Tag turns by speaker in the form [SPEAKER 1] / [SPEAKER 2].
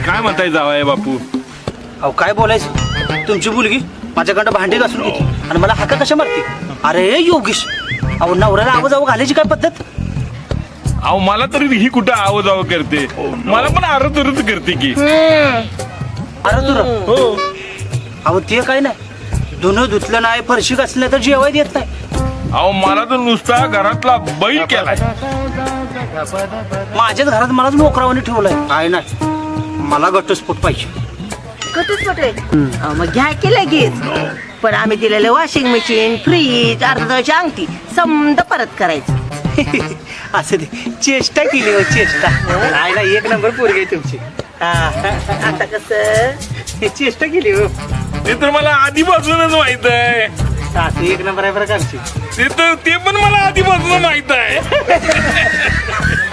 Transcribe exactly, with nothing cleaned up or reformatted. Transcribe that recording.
[SPEAKER 1] काय म्हणताय जावाय बापू?
[SPEAKER 2] अहो काय बोलायचं, तुमची मुलगी माझ्याकडं भांडी घासून घेते आणि मला हाका कशा मारते. अरे योगेश, अहो नवऱ्याला आवाज आव घालायची काय पद्धत?
[SPEAKER 1] अहो मला तरी ही कुठं आवाज आव करते, मला पण आरत उरत करते की.
[SPEAKER 2] अरे तुला
[SPEAKER 1] हो.
[SPEAKER 2] अहो ते काय नाही, धुणं धुतलं नाही, फरशी घासलं तर जेवाय देत नाही.
[SPEAKER 1] अहो मला तर नुसता घरातला बैल केलाय.
[SPEAKER 2] माझ्याच घरात मलाच मोकरावाने ठेवलंय. काय नाही, मला घटस्फोट पाहिजे.
[SPEAKER 3] घटस्फोट आहे अहो, मग घ्या की लगेच. पण आम्ही दिलेलं वॉशिंग मशीन, फ्रीज, अर्धाची अंगठी समजा परत करायचं.
[SPEAKER 2] असं दे, चेष्टा केली हो चेष्टा. नाही ना, एक नंबर पोरगी आहे तुमची. हा,
[SPEAKER 3] आता कसं
[SPEAKER 2] चेष्टा केली हो.
[SPEAKER 1] ते तर मला आधीपासूनच माहित आहे.
[SPEAKER 2] सासू एक नंबर आहे बरं का आमची.
[SPEAKER 1] ते तर ते पण मला आधीपासून माहित आहे.